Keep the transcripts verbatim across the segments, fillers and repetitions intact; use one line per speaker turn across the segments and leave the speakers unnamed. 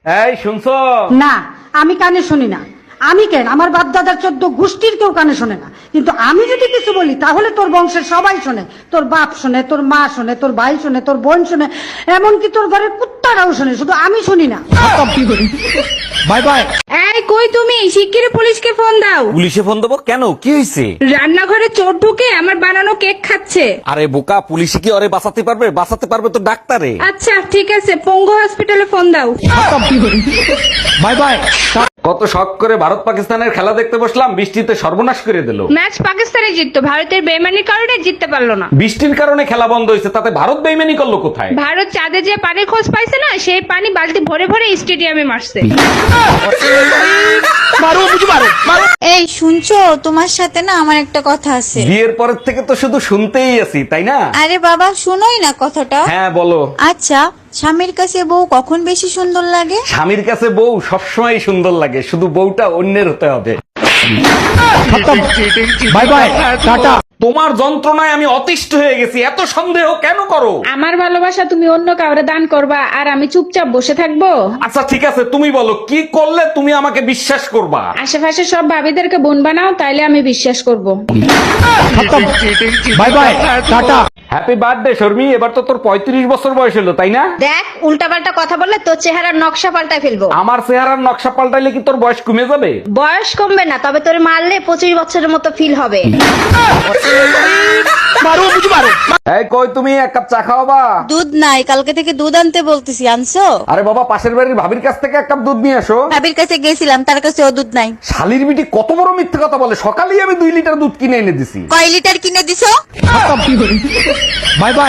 এই শুনছো?
না, আমি কানে শুনি না। আমি কেন, আমার বাপ দাদার চোদ্দ গোষ্ঠীর কেউ কানে শোনে না, কিন্তু আমি যদি কিছু বলি তাহলে তোর বংশের সবাই শোনে। তোর বাপ শোনে, তোর মা শোনে, তোর ভাই শোনে, তোর বোন শোনে, এমনকি তোর ঘরের কুত্তারাও শোনে, শুধু আমি শুনি না।
Bye bye.
এই কই তুমি? শিগগিরই পুলিশকে ফোন দাও।
পুলিশে ফোন দেবো কেন? কি হয়েছে?
রান্নাঘরে চোর ঢুকে আমার বানানো কেক খাচ্ছে।
আরে বোকা, পুলিশে কি ওরে বাঁচাতে পারবে? বাঁচাতে পারবে তো ডাক্তারে।
আচ্ছা ঠিক আছে, পঙ্গু হসপিটালে ফোন দাও।
Bye bye. কত শখ করে ভারত পাকিস্তানের খেলা দেখতে বসলাম, বৃষ্টিতে সর্বনাশ করে দিল।
ম্যাচ পাকিস্তানে জিততো, ভারতের বেইমানির কারণে জিততে পারলো না।
বৃষ্টির কারণে খেলা বন্ধ হয়েছে, তাতে ভারত বেইমানি করলো কোথায়?
ভারত চাঁদে যে পানির খোঁজ পাইছে না, সেই পানি বালতি ভরে ভরে স্টেডিয়ামে মারছে।
এই শুনছো, তোমার সাথে না আমার একটা কথা আছে।
বিয়ের পরের থেকে তো শুধু শুনতেই আছি, তাই না?
আরে বাবা শুনোই না কথাটা।
হ্যাঁ বলো।
আচ্ছা, স্বামীর কাছে বউ কখন বেশি সুন্দর লাগে?
স্বামীর কাছে বউ সবসময় সুন্দর লাগে, শুধু বউটা অন্যের হতে হবে। Bye bye, tata. তোমার যন্ত্রণায় আমি অতিষ্ঠ হয়ে গেছি, এত সন্দেহ কেন করো?
আমার ভালোবাসা তুমি অন্য কাউরে দান করবা আর আমি চুপচাপ বসে থাকবো?
আচ্ছা ঠিক আছে, তুমি বলো কি করলে তুমি আমাকে বিশ্বাস করবা?
আশেপাশে সব ভাবিদেরকে বোন বানাও, তাইলে আমি বিশ্বাস করব।
Bye bye, tata. Happy birthday Sharmi, এবার তো তোর পঁয়ত্রিশ বছর বয়স হলো, তাই না?
দেখ, উল্টাপাল্টা কথা বললে তোর চেহারার নকশা পাল্টায় ফেলবো।
আমার চেহারার নকশা পাল্টাইলে কি তোর বয়স কমে যাবে?
বয়স কমবে না, তবে তোরে মারলে পঁচিশ বছরের মতো ফিল হবে।
এই কই তুমি, এক কাপ চা খাওয়াবা?
দুধ নাই, কালকে থেকে দুধ আনতে বলতেছি, আনছো?
আরে বাবা, পাশের বাড়ির ভাবির কাছ থেকে এক কাপ দুধ নিয়ে আসো।
ভাবির কাছে গেছিলাম, তার কাছেও দুধ নাই।
শালির বিটি কত বড় মিথ্যে কথা বলে, সকালেই আমি দুই লিটার দুধ কিনে এনে দিছি।
কয় লিটার কিনে দিছো?
Bye bye.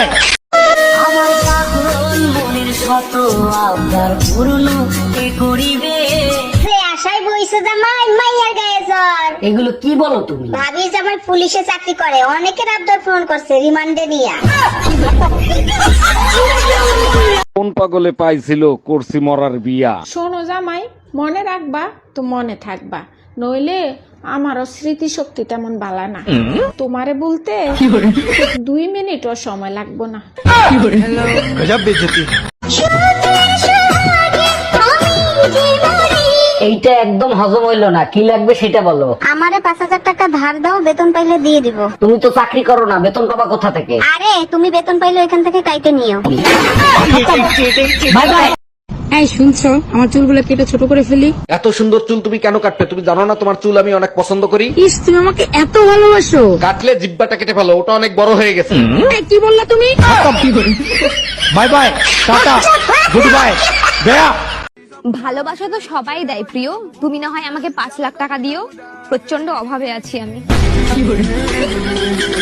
আশায় বইছে জামাই মাইয়ার গায়ে জ্বর।
এগুলো কি বলো তুমি?
ভাবি জামাই পুলিশে চাকরি করে, অনেকের আবদার ফোন করছে রিমান্ডে নিয়া।
কোন পাগলে পাইছিল করছি মরার বিয়া।
শোনো জামাই, মনে রাখবা তো মনে থাকবা, নইলে আমারও স্মৃতি শক্তি তেমন বালা না। তোমারে বলতে দুই মিনিটও সময় লাগবো না।
এইটা একদম হজম হইলো না, কি লাগবে সেটা বলো।
আমারে পাঁচ হাজার টাকা ধার দাও, বেতন পাইলে দিয়ে দিব।
তুমি তো চাকরি করো না, বেতন পাবা কোথা থেকে?
আরে তুমি বেতন পাইলে এখান থেকে কাইটে নিও।
Bye bye.
এই শুনছো, আমার চুলগুলো কেটে ছোট করে ফেলি।
এত সুন্দর চুল তুমি কেন কাটবে? তুমি জানো না তোমার চুল আমি অনেক পছন্দ করি।
ইস, তুমি আমাকে এত ভালোবাসো।
কাটলে জিব্বাটা কেটে ফেলো, ওটা অনেক বড় হয়ে গেছে।
এই, কি বললা তুমি?
Bye bye, tata, good bye, গয়া।
ভালোবাসা তো সবাই দেয় প্রিয়, তুমি না হয় আমাকে পাঁচ লাখ টাকা দিও, প্রচন্ড অভাবে আছি আমি।